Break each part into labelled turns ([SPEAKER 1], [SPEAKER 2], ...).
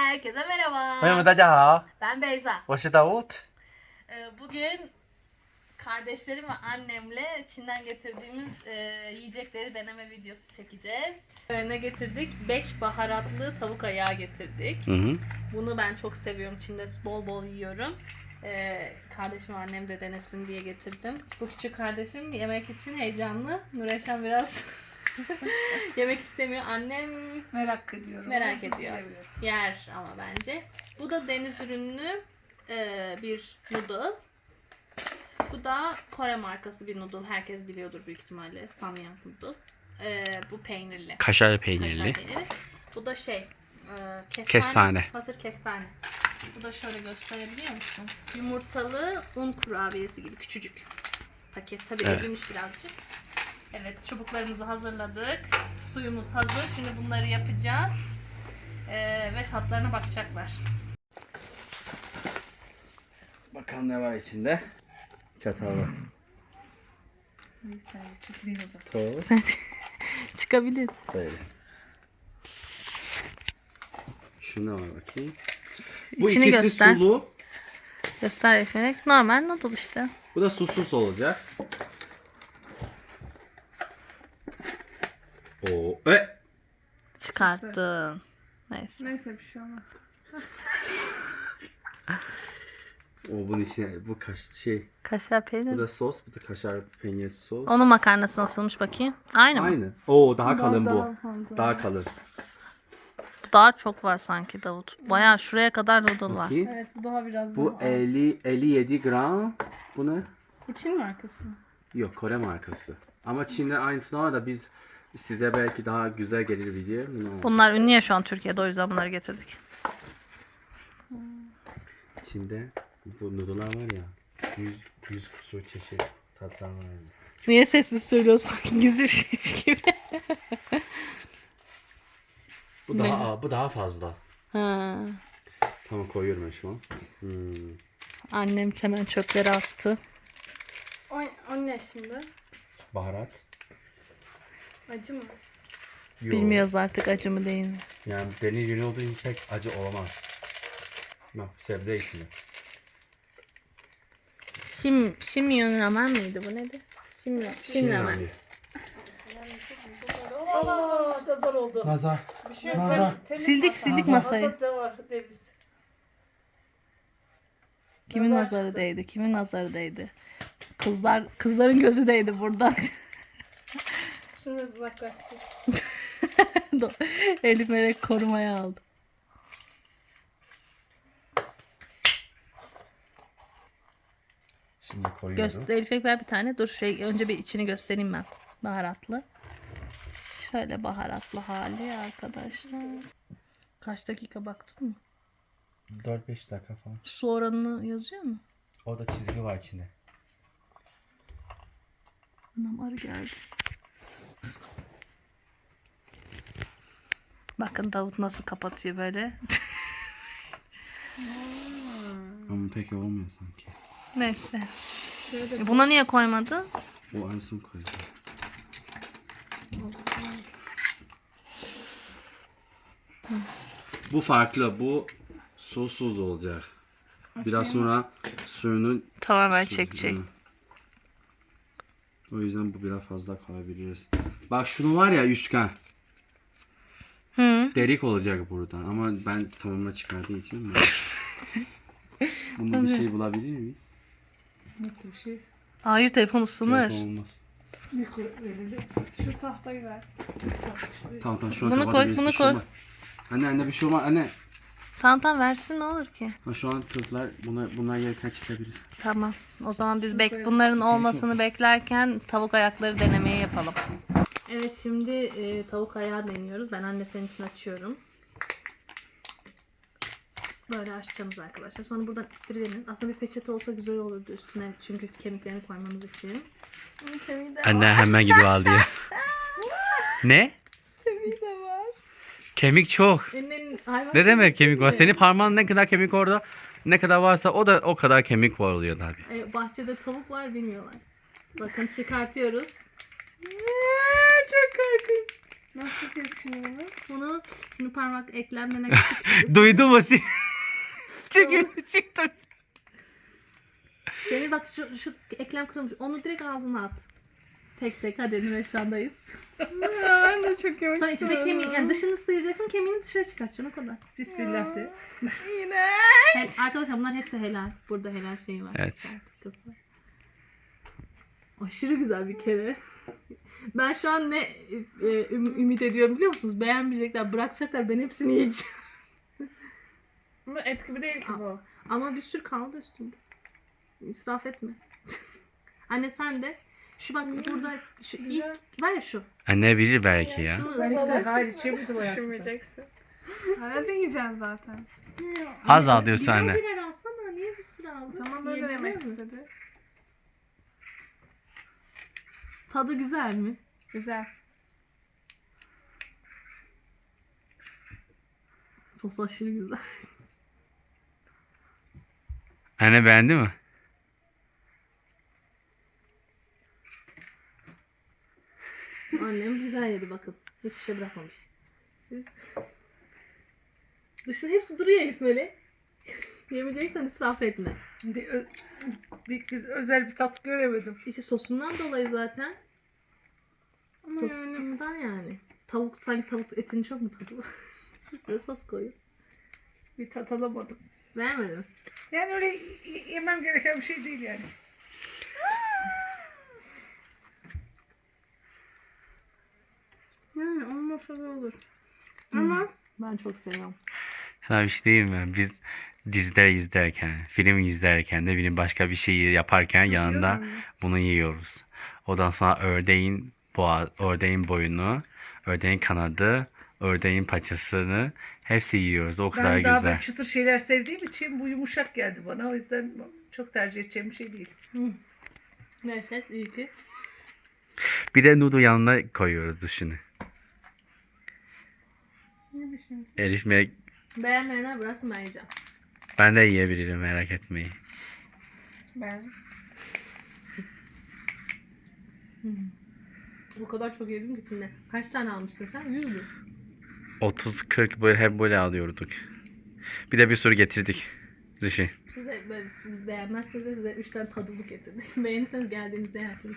[SPEAKER 1] Herkese merhaba.
[SPEAKER 2] 朋友们，大家好，
[SPEAKER 1] Ben Beyza.
[SPEAKER 2] 我是 Davut。
[SPEAKER 1] Bugün kardeşlerim ve annemle Çin'den getirdiğimiz yiyecekleri deneme videosu çekeceğiz. Ne getirdik? 5 baharatlı tavuk ayağı getirdik. Bunu ben çok seviyorum. Çin'de bol bol yiyorum. Kardeşim ve annem de denesin diye getirdim. Bu küçük kardeşim yemek için heyecanlı. Nureşan biraz yemek istemiyor. Annem
[SPEAKER 3] Merak ediyorum.
[SPEAKER 1] merak ediyor. Yer ama bence. Bu da deniz ürünlü bir noodle. Bu da Kore markası bir noodle. Herkes biliyordur büyük ihtimalle. Samyang noodle. Bu peynirli.
[SPEAKER 2] Kaşar
[SPEAKER 1] Kaşar
[SPEAKER 2] peynirli.
[SPEAKER 1] peyniri. Bu da
[SPEAKER 2] Kestane.
[SPEAKER 1] Hazır kestane. Bu da şöyle gösterebiliyor musun? Yumurtalı un kurabiyesi gibi küçücük. Paket tabii
[SPEAKER 2] Evet.
[SPEAKER 1] ezilmiş birazcık. Evet, çubuklarımızı hazırladık. Suyumuz hazır. Şimdi bunları yapacağız. Ve tatlarına bakacaklar.
[SPEAKER 2] Bakalım ne var içinde. Çatal var. Toz.
[SPEAKER 1] Çıkabilir.
[SPEAKER 2] Böyle. Şuna var bakayım. Bu
[SPEAKER 1] İçini
[SPEAKER 2] ikisi
[SPEAKER 1] göster.
[SPEAKER 2] sulu.
[SPEAKER 1] Göster Efelek. Normal noodle işte.
[SPEAKER 2] Bu da susuz olacak. Oo.
[SPEAKER 1] Çıkarttın. Neyse.
[SPEAKER 3] Neyse bir şey olmaz.
[SPEAKER 2] O bunun içine bu
[SPEAKER 1] Kaşar peynir.
[SPEAKER 2] bu da sos, bu da kaşar peynir sos.
[SPEAKER 1] Onun makarnası nasılmış bakayım? Aynı mı?
[SPEAKER 2] Aynı. Oo daha kalın bu.
[SPEAKER 3] Daha fazla.
[SPEAKER 2] Daha kalın.
[SPEAKER 1] Daha çok var sanki Davut. Bayağı şuraya kadar noodle var.
[SPEAKER 2] Bakayım.
[SPEAKER 3] Evet bu daha biraz
[SPEAKER 2] Bu
[SPEAKER 3] daha az.
[SPEAKER 2] 57 gram. Bu ne?
[SPEAKER 3] Bu Çin markası mı?
[SPEAKER 2] Yok, Kore markası. Ama Çin'de aynısı var da biz size belki daha güzel gelir diye.
[SPEAKER 1] Bunlar ünlü ya şu an Türkiye'de, o yüzden bunları getirdik.
[SPEAKER 2] Çin'de bu noodle'lar var ya. 100 kusur çeşit tatlar var. Yani.
[SPEAKER 1] Niye sessiz söylüyorsun? Gizli bir şeymiş gibi.
[SPEAKER 2] Bu daha fazla.
[SPEAKER 1] Ha.
[SPEAKER 2] Tamam, koyuyorum ben şu an.
[SPEAKER 1] Annem hemen çöpleri attı.
[SPEAKER 3] O ne şimdi?
[SPEAKER 2] Baharat.
[SPEAKER 3] Acı mı?
[SPEAKER 2] Yok.
[SPEAKER 1] Bilmiyoruz artık acı mı değil mi?
[SPEAKER 2] Yani deniz ürünü olduğu için pek acı olamaz. Bak, sebze içinde.
[SPEAKER 1] Şimyon ramen miydi bu, nedir? Şim ramen.
[SPEAKER 2] Yani.
[SPEAKER 3] Aa, da zor oldu.
[SPEAKER 2] Nazar.
[SPEAKER 3] Bir şey yok.
[SPEAKER 2] Nazar.
[SPEAKER 1] Sildik masayı.
[SPEAKER 3] Masada da var deviz.
[SPEAKER 1] Kimin nazarı değdi? Kimin nazarı değdi? Kızların gözü değdi buradan.
[SPEAKER 3] Şunu uzaklaştır.
[SPEAKER 1] Elif Melek korumaya aldı.
[SPEAKER 2] Şimdi koyuyorum.
[SPEAKER 1] Elif Melek ver bir tane. Dur önce bir içini göstereyim ben. Baharatlı. Şöyle baharatlı hali arkadaşlar. Kaç dakika baktın mı?
[SPEAKER 2] 4-5 dakika falan.
[SPEAKER 1] Su oranını yazıyor mu?
[SPEAKER 2] Orada çizgi var içinde.
[SPEAKER 1] Anam arı geldi. Bakın Davut nasıl kapatıyor böyle.
[SPEAKER 2] Ama pek olmuyor sanki.
[SPEAKER 1] Neyse. Buna niye koymadı?
[SPEAKER 2] O en son koyacağım. Bu farklı. Bu susuz olacak. Biraz sonra suyunu
[SPEAKER 1] Tamamen
[SPEAKER 2] su-
[SPEAKER 1] çekecek.
[SPEAKER 2] Hı. O yüzden bu biraz fazla koyabiliriz. Bak şunu var ya, üçgen.
[SPEAKER 1] Hı.
[SPEAKER 2] Delik olacak buradan ama ben tamamına çıkardığı için bunu bir şey bulabilir miyiz?
[SPEAKER 3] Nasıl bir şey?
[SPEAKER 1] Hayır, telefon ısınır.
[SPEAKER 2] Yok, olmaz.
[SPEAKER 3] Mikro verelim. Şu tahtayı ver.
[SPEAKER 2] Tamam şu an
[SPEAKER 1] Bunu
[SPEAKER 2] kafada
[SPEAKER 1] koy,
[SPEAKER 2] bir
[SPEAKER 1] bunu
[SPEAKER 2] şey
[SPEAKER 1] koy.
[SPEAKER 2] olmaz. Anne bir şey olmaz anne.
[SPEAKER 1] Tamam versin, ne olur ki.
[SPEAKER 2] Ha, şu an kızlar bunlar yerken çıkabiliriz.
[SPEAKER 1] Tamam. O zaman biz bunların olmasını beklerken tavuk ayakları denemeyi yapalım. Evet, şimdi tavuk ayağı deniyoruz. Ben anne senin için açıyorum. Böyle açacağız arkadaşlar. Sonra buradan ittirelim. Aslında bir peçete olsa güzel olurdu üstüne. Çünkü kemiklerini koymamız için.
[SPEAKER 3] Kemiği de
[SPEAKER 2] Anne hemen gidiyor al diye. Ne?
[SPEAKER 3] Kemiği de var.
[SPEAKER 2] Kemik çok. Ne demek kemik var? Senin parmağın ne kadar kemik orada, ne kadar varsa o da o kadar kemik var oluyor tabii.
[SPEAKER 1] Bahçede tavuk var, bilmiyorlar. Bakın çıkartıyoruz.
[SPEAKER 3] Çok korkunç. Nasıl yiyeceğiz şimdi bunu?
[SPEAKER 1] Bunu şimdi parmak eklemlerine geçip
[SPEAKER 2] Duydun mu? Çünkü çıktı.
[SPEAKER 1] seni bak şu eklem kırılmış. Onu direkt ağzına at. Tek tek hadi Nurşan'dayız.
[SPEAKER 3] Ya ben de çok yemek
[SPEAKER 1] Sonra içinde kemiği yani dışını sıyıracaksın, kemiğini dışarı çıkartacaksın o kadar.
[SPEAKER 3] Bismillah de. Yine.
[SPEAKER 1] Arkadaşlar bunlar hepsi helal. Burada helal şey var.
[SPEAKER 2] Evet.
[SPEAKER 1] Sertifikası var. Aşırı güzel bir kere. Ben şu an ne ümit ediyorum biliyor musunuz? Beğenmeyecekler, bırakacaklar. Ben hepsini yiyeceğim.
[SPEAKER 3] Ama et gibi değil ki bu.
[SPEAKER 1] Ama bir sürü kaldı üstümde. İsraf etme. Anne sen de. Şu bak burada şu ilk var ya şu.
[SPEAKER 2] Anne bilir belki ya.
[SPEAKER 1] Şunu
[SPEAKER 3] Ben
[SPEAKER 1] ısır.
[SPEAKER 3] de hayır içemedim o Düşünmeyeceksin. Herhalde yiyeceksin zaten.
[SPEAKER 2] Az alıyorsun
[SPEAKER 1] Birer
[SPEAKER 2] anne.
[SPEAKER 1] birer alsana. Niye bir sürü aldın?
[SPEAKER 3] Tamam böyle
[SPEAKER 1] Yiyebilir
[SPEAKER 3] yemek
[SPEAKER 1] mi?
[SPEAKER 3] istedi.
[SPEAKER 1] Tadı güzel mi?
[SPEAKER 3] Güzel.
[SPEAKER 1] Sos aşırı güzel.
[SPEAKER 2] Anne beğendi mi?
[SPEAKER 1] Annem güzel yedi bakın. Hiçbir şey bırakmamış. Siz... Dışın hepsi duruyor Elif böyle. Yemeyeceksen israf etme.
[SPEAKER 3] Özel bir tat göremedim.
[SPEAKER 1] İşte sosundan dolayı zaten.
[SPEAKER 3] Ama yani
[SPEAKER 1] Sosundan yani. Tavuk sanki tavuk etini çok mu tadı? Size sos koyun.
[SPEAKER 3] bir tat alamadım.
[SPEAKER 1] Beğenmedim.
[SPEAKER 3] Yani öyle yemem gereken bir şey değil yani. Yani olmasa da olur. Ama
[SPEAKER 1] Ben çok seviyorum.
[SPEAKER 2] Sana bir şey diyeyim mi? Biz diziler izlerken, film izlerken de benim başka bir şeyi yaparken yanında bunu yiyoruz. Ondan sonra ördeğin boynu, ördeğin kanadı, ördeğin paçasını hepsi yiyoruz. O kadar
[SPEAKER 4] Ben daha
[SPEAKER 2] güzel.
[SPEAKER 4] böyle çıtır şeyler sevdiğim için bu yumuşak geldi bana. O yüzden çok tercih edeceğim bir şey değil.
[SPEAKER 1] Neyse iyi ki.
[SPEAKER 2] Bir de noodle yanına koyuyoruz düşünün.
[SPEAKER 3] ne düşünüyorsun?
[SPEAKER 2] Elif
[SPEAKER 1] Beğenmeyenler bıraksın ben yiyeceğim.
[SPEAKER 2] ben de yiyebilirim merak etmeyin.
[SPEAKER 3] Ben.
[SPEAKER 1] O kadar çok yedim ki içinde. Kaç tane almışsın sen? 100 mü?
[SPEAKER 2] 30-40 böyle hep böyle alıyorduk. Bir de bir sürü getirdik. Düşün.
[SPEAKER 1] Siz beğenmezseniz de size 3 tane tadımlık getirdim. Beğenirseniz geldiğinizde yersiniz.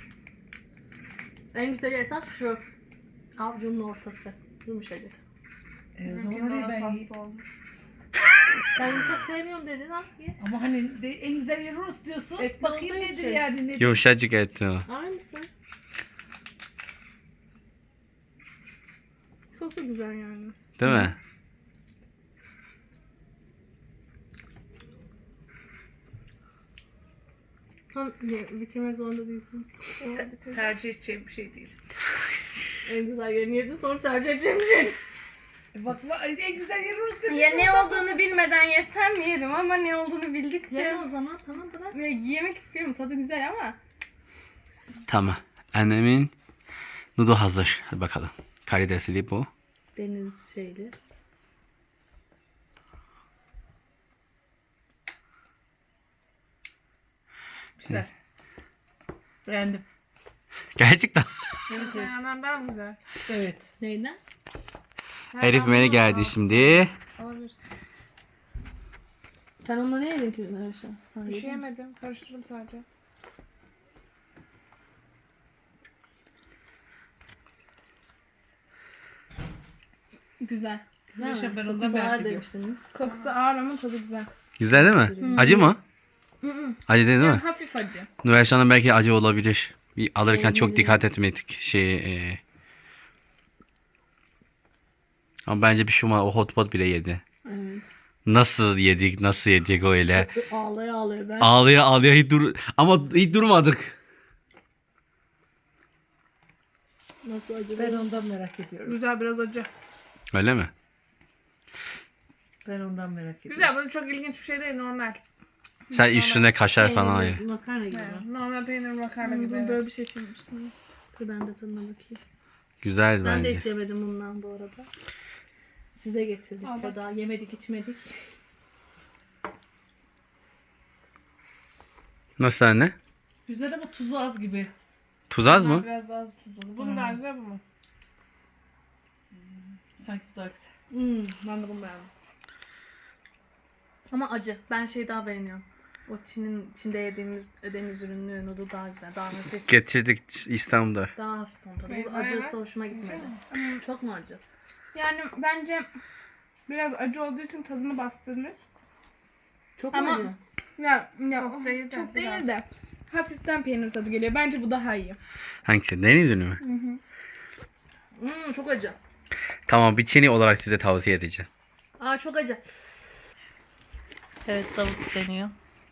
[SPEAKER 1] En güzel esas şu. Avucunun ortası. Yumuşacık.
[SPEAKER 4] Zorla değil ben yiyeyim.
[SPEAKER 1] Ben yumuşak sevmiyorum dedin ha. Ye.
[SPEAKER 4] Ama hani en güzel yeri Rus diyorsun.
[SPEAKER 1] Etli
[SPEAKER 4] Bakayım
[SPEAKER 1] olduğu
[SPEAKER 4] nedir
[SPEAKER 1] için.
[SPEAKER 4] yani nedir?
[SPEAKER 2] Yumuşacık etti o.
[SPEAKER 1] Aynısı.
[SPEAKER 3] Sosu güzel yani.
[SPEAKER 2] Değil mi?
[SPEAKER 1] Tam bitirmek zorunda değilsin.
[SPEAKER 4] Tercih edeceğim bir şey değil.
[SPEAKER 1] En güzel yerini yedin sonra tercih edeceğim bir şey.
[SPEAKER 4] Bak en güzel yeri Rus dedim.
[SPEAKER 3] Ya ne olduğunu bilmeden yesem yerim ama ne olduğunu bildikçe
[SPEAKER 1] Yeme o zaman tamam bırak.
[SPEAKER 3] ve yemek istiyorum. Tadı güzel ama
[SPEAKER 2] Tamam. Annemin noodle hazır. Hadi bakalım. Karidesli bu.
[SPEAKER 1] Deniz şeyli.
[SPEAKER 4] Güzel. Beğendim.
[SPEAKER 2] Gerçekten.
[SPEAKER 3] yandan daha güzel.
[SPEAKER 4] Evet.
[SPEAKER 1] Neyden?
[SPEAKER 2] Elif beni geldi şimdi.
[SPEAKER 3] Alabilirsin.
[SPEAKER 1] Sen onunla ne yedin ki Nurşan?
[SPEAKER 3] Bir şey yemedim. Karıştırdım sadece.
[SPEAKER 1] Güzel. Güzel
[SPEAKER 4] Yaşa,
[SPEAKER 1] mi?
[SPEAKER 4] ben ondan
[SPEAKER 1] Kokusu
[SPEAKER 4] merak
[SPEAKER 1] ağır
[SPEAKER 4] ediyorum.
[SPEAKER 1] demiştin.
[SPEAKER 3] Kokusu ağır ama tadı güzel.
[SPEAKER 2] Güzel değil mi? Acı mı? Acı değil mi?
[SPEAKER 3] Yani hafif acı.
[SPEAKER 2] Nurayşan'ın belki acı olabilir. Bir alırken çok
[SPEAKER 1] Olabilir.
[SPEAKER 2] dikkat etmedik. Ama bence bir şey olmaz. O hot pot bile yedi.
[SPEAKER 1] Evet.
[SPEAKER 2] Nasıl yedik öyle.
[SPEAKER 1] Ağlaya ağlaya ben.
[SPEAKER 2] Ağlaya ama hiç durmadık.
[SPEAKER 1] Nasıl acaba?
[SPEAKER 4] Ben ondan merak ediyorum.
[SPEAKER 3] Güzel biraz acı.
[SPEAKER 2] Öyle mi?
[SPEAKER 4] Ben ondan merak ediyorum.
[SPEAKER 3] Güzel, bu çok ilginç bir şey değil, normal.
[SPEAKER 2] Sen üstüne kaşar falan
[SPEAKER 1] Peynirli
[SPEAKER 2] ayır.
[SPEAKER 1] Makarna gibi.
[SPEAKER 3] Evet, normal peynir makarna gibi.
[SPEAKER 1] Böyle
[SPEAKER 3] Evet.
[SPEAKER 1] bir şey çekmiştim. Dur ben de tadına bakayım.
[SPEAKER 2] Güzel
[SPEAKER 1] Ben de
[SPEAKER 2] bence.
[SPEAKER 1] içemedim bundan bu arada. Size getirdik
[SPEAKER 3] Al bak.
[SPEAKER 1] Feda. Yemedik içmedik.
[SPEAKER 2] Nasıl anne?
[SPEAKER 4] Güzel ama tuzu az gibi.
[SPEAKER 2] Tuz az mı?
[SPEAKER 3] Biraz daha tuzlu. Bunun daha güzel bu mu?
[SPEAKER 4] Sanki bu daha güzel.
[SPEAKER 3] Ben de bunu beğendim.
[SPEAKER 1] Ama acı. Ben şey daha beğeniyorum. O Çin'de yediğimiz deniz ürünlü noodle daha güzel. Daha hafif.
[SPEAKER 2] Getirdik İstanbul'da.
[SPEAKER 1] Daha hafif ton tadı.
[SPEAKER 3] Evet,
[SPEAKER 1] Bu acısı
[SPEAKER 3] evet.
[SPEAKER 1] hoşuma gitmedi. Çok mu acı?
[SPEAKER 3] Yani bence biraz acı olduğu için tadını bastırmış.
[SPEAKER 1] Çok mu
[SPEAKER 3] Ama-
[SPEAKER 1] acı?
[SPEAKER 3] Ya
[SPEAKER 4] Çok değil de
[SPEAKER 3] çok
[SPEAKER 4] biraz.
[SPEAKER 3] değil de hafiften peynir tadı geliyor. Bence bu daha iyi.
[SPEAKER 2] Hangisi? Deniz ürünü mü?
[SPEAKER 1] Çok acı.
[SPEAKER 2] Tamam, bir Çin'i olarak size tavsiye edeceğim.
[SPEAKER 1] Aa çok acı. Evet tavuk deniyor.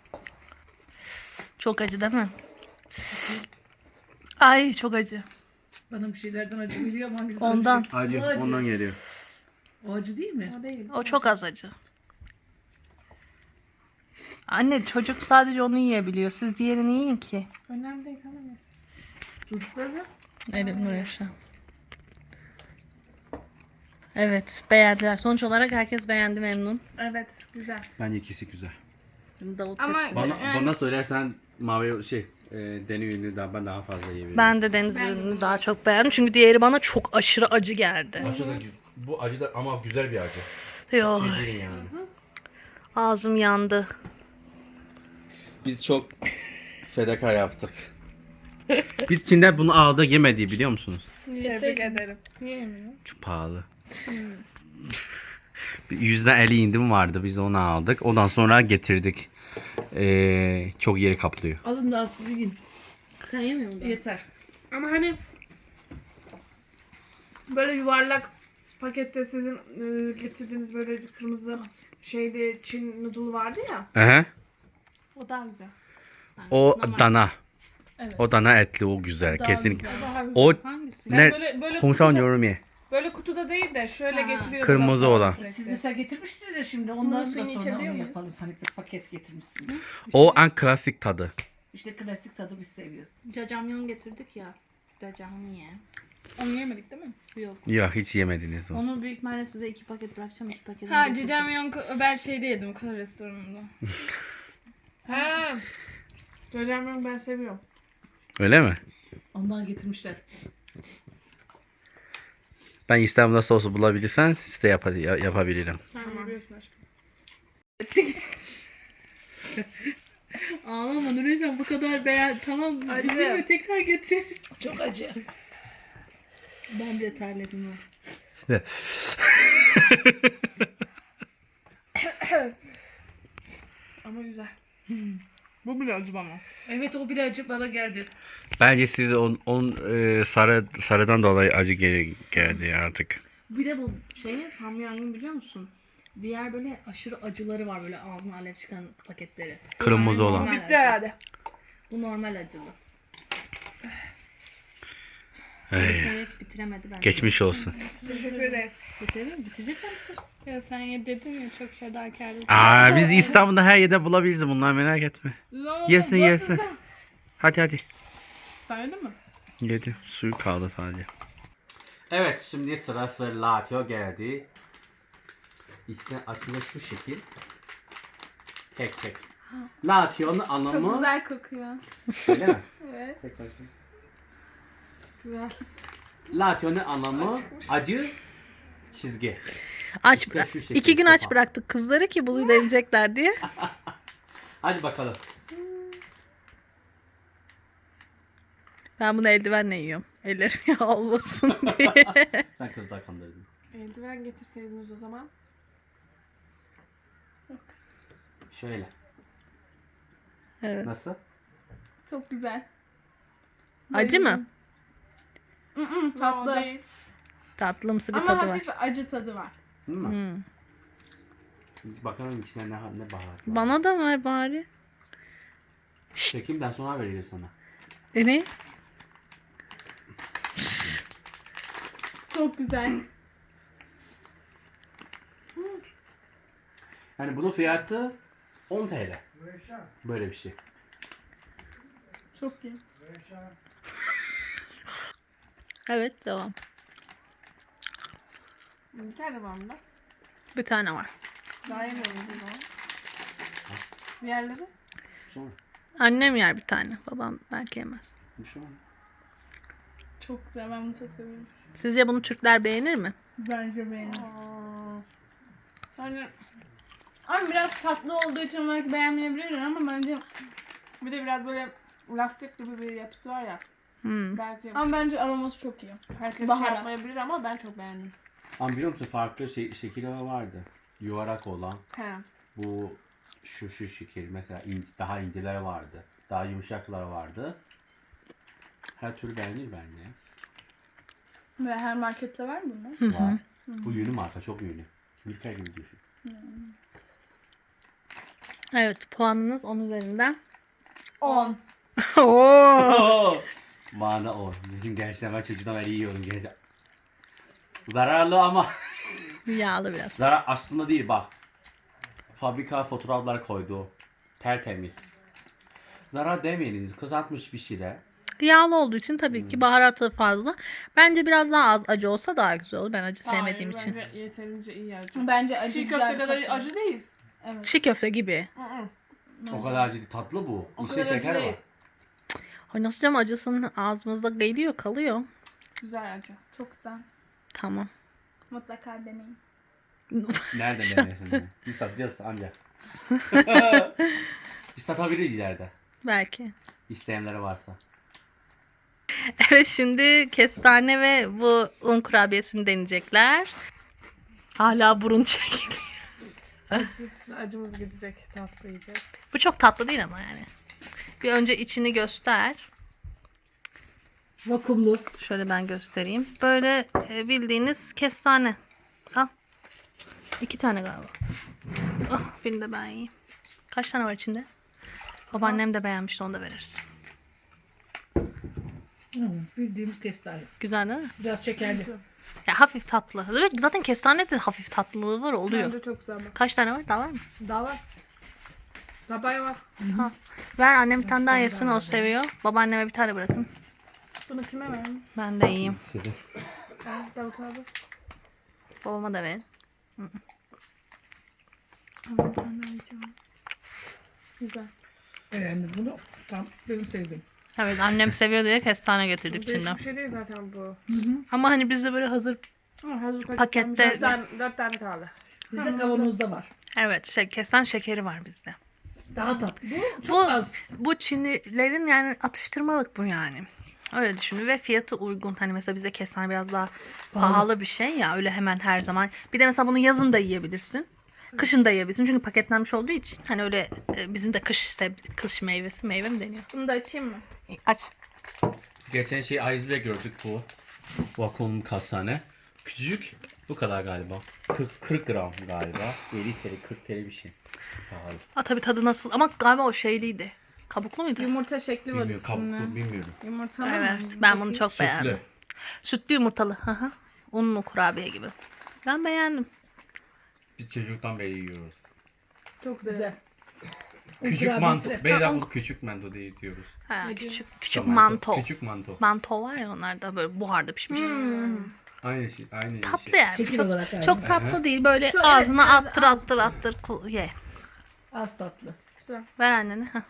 [SPEAKER 1] Çok acı değil mi? Ay çok acı.
[SPEAKER 4] Bana bir şeylerden acı geliyor ama hangisi
[SPEAKER 1] Ondan.
[SPEAKER 2] Acı, ondan geliyor.
[SPEAKER 4] O acı değil mi?
[SPEAKER 3] O değil.
[SPEAKER 1] O çok az acı. Anne çocuk sadece onu yiyebiliyor. Siz diğerini yiyin ki.
[SPEAKER 3] Önemli değil, tamam mı?
[SPEAKER 4] Çocukları
[SPEAKER 1] Evet Nurşen. Evet beğendiler. Sonuç olarak herkes beğendi, memnun.
[SPEAKER 3] Evet, güzel.
[SPEAKER 2] Bence ikisi güzel.
[SPEAKER 1] Davut
[SPEAKER 3] Ama-
[SPEAKER 1] tepsi.
[SPEAKER 3] Bana
[SPEAKER 2] söylersen mavi deniz ürünü daha fazla yiyebilirim.
[SPEAKER 1] Ben de deniz ürününü daha çok beğendim. Çünkü diğeri bana çok aşırı acı geldi.
[SPEAKER 2] Bu acı da ama güzel bir acı.
[SPEAKER 1] Yok.
[SPEAKER 2] Yani.
[SPEAKER 1] Ağzım yandı.
[SPEAKER 2] Biz çok fedakar yaptık. Biz Çin'de bunu aldı yemedi biliyor musunuz?
[SPEAKER 3] Tebrik ederim. Niye yemiyor?
[SPEAKER 2] Çok pahalı. %50 indirim vardı, biz onu aldık. Ondan sonra getirdik. Çok yeri kaplıyor.
[SPEAKER 4] alın da siz yiyin.
[SPEAKER 1] Sen yemiyor musun?
[SPEAKER 4] Yeter.
[SPEAKER 3] Ama hani böyle yuvarlak pakette sizin getirdiğiniz böyle kırmızı şeyli Çin noodle vardı ya.
[SPEAKER 2] Aha.
[SPEAKER 3] O daha güzel.
[SPEAKER 2] O dana.
[SPEAKER 3] Evet.
[SPEAKER 2] O dana etli, o güzel kesinlikle.
[SPEAKER 3] O daha güzel.
[SPEAKER 2] O
[SPEAKER 1] Hangisi?
[SPEAKER 3] Yani
[SPEAKER 2] ne?
[SPEAKER 3] böyle
[SPEAKER 2] Hongsan
[SPEAKER 3] kutuda,
[SPEAKER 2] yorum ye.
[SPEAKER 3] böyle kutuda değil de şöyle getiriyorlar.
[SPEAKER 2] Kırmızı olan.
[SPEAKER 4] Siz mesela getirmiştiniz ya şimdi ondan da
[SPEAKER 3] suyunu
[SPEAKER 4] sonra
[SPEAKER 3] içebiliyor
[SPEAKER 4] onu
[SPEAKER 3] muyuz?
[SPEAKER 4] yapalım. Hani bir paket getirmişsiniz.
[SPEAKER 2] O en klasik tadı.
[SPEAKER 4] İşte klasik tadı biz seviyoruz.
[SPEAKER 1] Jajangmyeon getirdik ya. Jajangmyeon.
[SPEAKER 3] Onu yemedik değil mi?
[SPEAKER 1] Yok.
[SPEAKER 2] Ya hiç yemediniz onu.
[SPEAKER 1] Onu büyük ihtimalle size 2 paket bırakacağım. 2 paket.
[SPEAKER 3] Ha, Jajangmyeon ben şeyde yedim, Kore restoranında. Ha. Jajangmyeon ben seviyorum.
[SPEAKER 2] Öyle mi?
[SPEAKER 4] Ondan getirmişler.
[SPEAKER 2] Ben İstanbul'da sosu bulabilirsen size yapabilirim.
[SPEAKER 3] Sen biliyorsun aşkım.
[SPEAKER 1] Ağlama Nurcan, bu kadar beğen. Tamam.
[SPEAKER 3] Acı.
[SPEAKER 1] Üzülme, tekrar getir.
[SPEAKER 4] Çok acı.
[SPEAKER 1] Ben de terledim o.
[SPEAKER 3] Ama güzel. Bu bile acı bana.
[SPEAKER 4] Evet o bile acı bana geldi.
[SPEAKER 2] Bence size sarıdan dolayı acı geldi artık.
[SPEAKER 1] Bir de bu şeyin samyangın biliyor musun? Diğer böyle aşırı acıları var, böyle ağzına alev çıkan paketleri.
[SPEAKER 2] Kırmızı olan.
[SPEAKER 1] Normal
[SPEAKER 3] Bitti
[SPEAKER 1] acı.
[SPEAKER 3] herhalde.
[SPEAKER 1] Bu normal acılı.
[SPEAKER 2] Ay,
[SPEAKER 1] Evet bitiremedi bence.
[SPEAKER 2] geçmiş olsun.
[SPEAKER 3] Teşekkür ederiz.
[SPEAKER 1] Bitirelim. Bitireceksen bitir.
[SPEAKER 3] Ya sen ye dedin ya, çok fedakarlık.
[SPEAKER 2] Aa, biz İstanbul'da her yerde bulabiliriz bunlar, merak etme. Yesin yesin. Hadi.
[SPEAKER 3] Sen yedin mi?
[SPEAKER 2] Yedi. Suyu kaldı sadece. Evet, şimdi sırası latio geldi. İçine açılı şu şekil. Tek. Lation'un anlamı...
[SPEAKER 3] Çok güzel kokuyor.
[SPEAKER 2] Öyle mi?
[SPEAKER 3] Evet.
[SPEAKER 2] Tek bakayım.
[SPEAKER 3] Güzel.
[SPEAKER 2] Lation'un anlamı acı çizgi.
[SPEAKER 1] Aç
[SPEAKER 2] İşte şu şekil,
[SPEAKER 1] 2 gün aç
[SPEAKER 2] sopa.
[SPEAKER 1] bıraktık kızları ki bunu deneyecekler diye.
[SPEAKER 2] Hadi bakalım.
[SPEAKER 1] Ben bunu eldivenle yiyorum. Ellerim yağ olmasın diye.
[SPEAKER 2] Sen kızlar kandırdın.
[SPEAKER 3] Eldiven getirseydiniz o zaman.
[SPEAKER 2] Şöyle.
[SPEAKER 1] Evet.
[SPEAKER 2] Nasıl?
[SPEAKER 3] Çok güzel.
[SPEAKER 1] Acı mı?
[SPEAKER 3] Tatlı.
[SPEAKER 1] Tatlımsı bir
[SPEAKER 3] Ama
[SPEAKER 1] tadı var.
[SPEAKER 3] hafif acı tadı var.
[SPEAKER 2] Değil mi?
[SPEAKER 1] Hmm.
[SPEAKER 2] Bakalım içine ne baharat var.
[SPEAKER 1] Bana da ver bari.
[SPEAKER 2] Çekimden sonra veririz sana.
[SPEAKER 1] Ne?
[SPEAKER 3] Çok güzel.
[SPEAKER 2] Yani bunun fiyatı 10 TL. Böyle bir şey.
[SPEAKER 3] Çok iyi.
[SPEAKER 1] Evet devam.
[SPEAKER 3] Bir tane var mı da?
[SPEAKER 1] Bir tane var.
[SPEAKER 3] Daha yemeyelim o zaman. Diğerleri?
[SPEAKER 2] Sonra.
[SPEAKER 1] Annem yer bir tane. Babam belki yemez.
[SPEAKER 2] Bir şey var mı?
[SPEAKER 3] Çok güzel. Ben bunu çok seviyorum.
[SPEAKER 1] Sizce bunu Türkler beğenir mi?
[SPEAKER 3] Bence beğendim. Yani ama biraz tatlı olduğu için belki beğenmeyebilirler ama bence bir de biraz böyle lastik gibi bir yapısı var ya. Belki. Ama bence aroması çok iyi. Herkes
[SPEAKER 1] Baharat.
[SPEAKER 3] şey yapmayabilir ama ben çok beğendim.
[SPEAKER 2] Ama biliyor musun farklı şekilleri vardı. Yuvarlak olan.
[SPEAKER 3] He.
[SPEAKER 2] Bu şu şekil mesela daha inceler vardı. Daha yumuşaklar vardı. Her türlü beğenir bence.
[SPEAKER 3] Ve her markette var mı bunlar?
[SPEAKER 2] Var. Bu yünü marka çok yünü. Milker gibi düşün.
[SPEAKER 1] Evet, puanınız 10 üzerinden.
[SPEAKER 3] 10.
[SPEAKER 1] Oo.
[SPEAKER 2] Bana o. Bizim gerçekten ben çocuğumdan beri yiyorum gerçekten. Zararlı ama.
[SPEAKER 1] Yağlı biraz.
[SPEAKER 2] Zarar aslında değil bak. Fabrika fotoğraflar koydu. Tertemiz. Zarar demeyiniz. Kızartmış bir şeyler.
[SPEAKER 1] Yağlı olduğu için tabii ki baharatı fazla. Bence biraz daha az acı olsa daha güzel olur. Ben acı sevmediğim için.
[SPEAKER 3] Bence yeterince iyi acı.
[SPEAKER 5] Bence acı
[SPEAKER 3] Çiğ
[SPEAKER 5] güzel
[SPEAKER 3] köfte
[SPEAKER 5] bir
[SPEAKER 3] kadar
[SPEAKER 5] tat.
[SPEAKER 3] acı değil.
[SPEAKER 1] Çiğ köfte gibi.
[SPEAKER 2] O kadar acı tatlı bu.
[SPEAKER 3] O
[SPEAKER 2] İçinde
[SPEAKER 3] kadar acı
[SPEAKER 2] şeker
[SPEAKER 3] değil.
[SPEAKER 2] var.
[SPEAKER 1] Ay nasıl canım acısının ağzımızda geliyor kalıyor.
[SPEAKER 3] Güzel acı.
[SPEAKER 5] Çok güzel.
[SPEAKER 1] Tamam.
[SPEAKER 5] Mutlaka deneyin.
[SPEAKER 2] Nerede denesin? Biz satacağız ancak. Biz satabiliriz ileride.
[SPEAKER 1] Belki.
[SPEAKER 2] İsteyenleri varsa.
[SPEAKER 1] Evet şimdi kestane ve bu un kurabiyesini deneyecekler. Hala burun çekiliyor.
[SPEAKER 3] Acımız gidecek. Tatlı yiyeceğiz.
[SPEAKER 1] Bu çok tatlı değil ama yani. Bir önce içini göster.
[SPEAKER 4] Vakumlu.
[SPEAKER 1] Şöyle ben göstereyim. Böyle bildiğiniz kestane. Al. 2 tane galiba. Oh, birini de ben yiyeyim. Kaç tane var içinde? Babaannem de beğenmişti, onu da veririz.
[SPEAKER 4] Bildiğimiz kestane.
[SPEAKER 1] Güzel değil mi?
[SPEAKER 4] Biraz şekerli.
[SPEAKER 1] Ya hafif tatlı. Evet, zaten kestane de hafif tatlılığı var, oluyor.
[SPEAKER 3] Bence çok güzel bak.
[SPEAKER 1] Kaç tane var? Daha var mı?
[SPEAKER 3] Daha var. Tabay var.
[SPEAKER 1] Ver, annem bir tane daha yesin, o seviyor. Babaanneme bir tane bırakın.
[SPEAKER 3] Bunu kime verelim?
[SPEAKER 1] Ben de yiyeyim.
[SPEAKER 3] Davut abi.
[SPEAKER 1] Babama da ver.
[SPEAKER 3] Güzel.
[SPEAKER 4] Beğendim bunu. Tam benim sevdiğim.
[SPEAKER 1] Evet, annem seviyor diye kestane getirdik
[SPEAKER 3] Değişik
[SPEAKER 1] içinden.
[SPEAKER 3] bir şey değil zaten bu.
[SPEAKER 1] Ama hani bizde böyle hazır,
[SPEAKER 3] Ama hazır
[SPEAKER 1] Pakette-
[SPEAKER 3] 4 tane kaldı.
[SPEAKER 4] Bizde kavanozda var.
[SPEAKER 1] evet, kestane şekeri var bizde.
[SPEAKER 4] Daha tatlı. Bu çok
[SPEAKER 1] Bu,
[SPEAKER 4] az.
[SPEAKER 1] bu Çinlilerin yani atıştırmalık bu yani. Öyle düşünün ve fiyatı uygun. Hani mesela bize kestane biraz daha pahalı bir şey ya, öyle hemen her zaman. Bir de mesela bunu yazın da yiyebilirsin. Kışın da yiyebilirsin çünkü paketlenmiş olduğu için. Hani öyle bizim de kış meyvesi, meyve mi deniyor?
[SPEAKER 5] Bunu da açayım mı?
[SPEAKER 1] Aç.
[SPEAKER 2] Biz geçen iceberg gördük bu. Vakum kastane. Küçücük. Bu kadar galiba. 40 gram galiba. 50 TL 40 TL bir şey. Pahalı.
[SPEAKER 1] Aa, tabii tadı nasıl, ama galiba o şeyliydi. Kabuklu muydu?
[SPEAKER 5] Yumurta şekli var
[SPEAKER 2] Bilmiyorum.
[SPEAKER 5] üstünde.
[SPEAKER 2] Kabuklu bilmiyorum.
[SPEAKER 5] Yumurtalı mı?
[SPEAKER 1] Evet, ben bunu çok
[SPEAKER 2] Sütlü.
[SPEAKER 1] beğendim. Sütlü yumurtalı. Hı hı. Unlu kurabiye gibi. Ben beğendim.
[SPEAKER 2] Biz çocuktan beri yiyoruz.
[SPEAKER 3] Çok güzel.
[SPEAKER 4] Güzel.
[SPEAKER 2] Küçük
[SPEAKER 4] kurabiyesi
[SPEAKER 2] manto.
[SPEAKER 4] de-
[SPEAKER 2] Beyler bu küçük manto diye diyoruz.
[SPEAKER 1] Ha, küçük
[SPEAKER 2] Manto.
[SPEAKER 1] manto.
[SPEAKER 2] Küçük manto.
[SPEAKER 1] Manto var ya, onlar da böyle buharda pişmiş.
[SPEAKER 2] Aynı şey. Aynı
[SPEAKER 1] Tatlı
[SPEAKER 2] şey.
[SPEAKER 1] yani.
[SPEAKER 4] Şekil
[SPEAKER 1] Çok,
[SPEAKER 4] olarak yani.
[SPEAKER 1] çok tatlı değil. Böyle
[SPEAKER 5] Çok,
[SPEAKER 1] ağzına
[SPEAKER 5] evet,
[SPEAKER 1] attır attır attır ye.
[SPEAKER 4] Az tatlı.
[SPEAKER 1] Ver annene. Heh.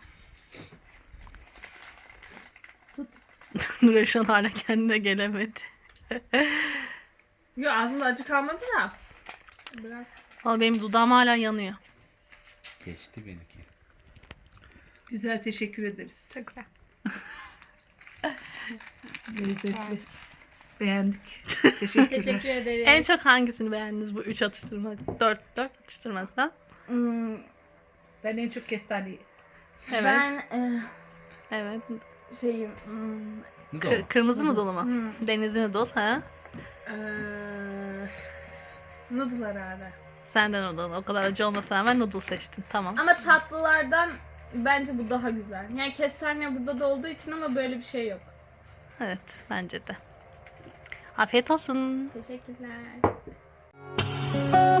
[SPEAKER 4] Tut.
[SPEAKER 1] Nure şu an hala kendine gelemedi.
[SPEAKER 3] Yok aslında acı kalmadı da. Biraz.
[SPEAKER 1] Ama benim dudağım hala yanıyor.
[SPEAKER 2] Geçti benimki.
[SPEAKER 4] Güzel, teşekkür ederiz.
[SPEAKER 1] Çok güzel.
[SPEAKER 4] Lezzetli. Beğendik. Teşekkürler.
[SPEAKER 5] Teşekkür ederim.
[SPEAKER 1] En çok hangisini beğendiniz bu 3 atıştırma? 4 atıştırmadan?
[SPEAKER 4] Ben en çok kestaneyi.
[SPEAKER 1] Evet.
[SPEAKER 5] Ben
[SPEAKER 1] Evet.
[SPEAKER 5] şeyim
[SPEAKER 2] Ne de o?
[SPEAKER 1] Kırmızı noodle mu? Denizli noodle ha?
[SPEAKER 5] noodle herhalde.
[SPEAKER 1] Sen de noodle. O kadar acı olmasına rağmen noodle seçtin. Tamam.
[SPEAKER 5] Ama tatlılardan bence bu daha güzel. Yani kestane burada da olduğu için ama böyle bir şey yok.
[SPEAKER 1] Evet, bence de. Afiyet olsun.
[SPEAKER 5] Teşekkürler.